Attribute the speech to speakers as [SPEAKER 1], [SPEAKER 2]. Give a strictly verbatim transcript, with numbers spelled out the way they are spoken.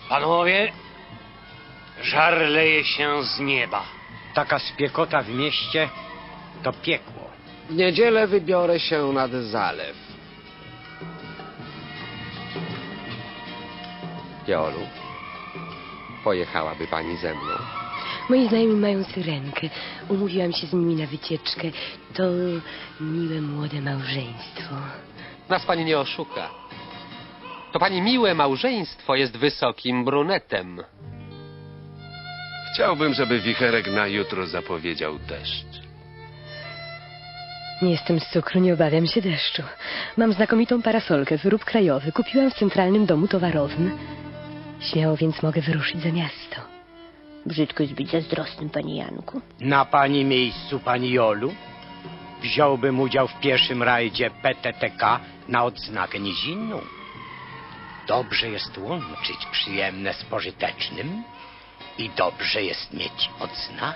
[SPEAKER 1] Panowie, żar leje się z nieba.
[SPEAKER 2] Taka spiekota w mieście to piekło.
[SPEAKER 3] W niedzielę wybiorę się nad zalew. Jolu, pojechałaby pani ze mną?
[SPEAKER 4] Moi znajomi mają syrenkę. Umówiłam się z nimi na wycieczkę. To miłe młode małżeństwo.
[SPEAKER 3] Nas pani nie oszuka. To pani miłe małżeństwo jest wysokim brunetem.
[SPEAKER 5] Chciałbym, żeby wicherek na jutro zapowiedział deszcz.
[SPEAKER 4] Nie jestem z cukru, nie obawiam się deszczu. Mam znakomitą parasolkę, wyrób krajowy. Kupiłam w Centralnym Domu Towarowym. Śmiało więc mogę wyruszyć za miasto. Brzydko jest być zazdrosnym, panie Janku.
[SPEAKER 2] Na pani miejscu, pani Jolu, wziąłbym udział w pierwszym rajdzie P T T K na odznakę nizinną. Dobrze jest łączyć przyjemne z pożytecznym i dobrze jest mieć odznakę.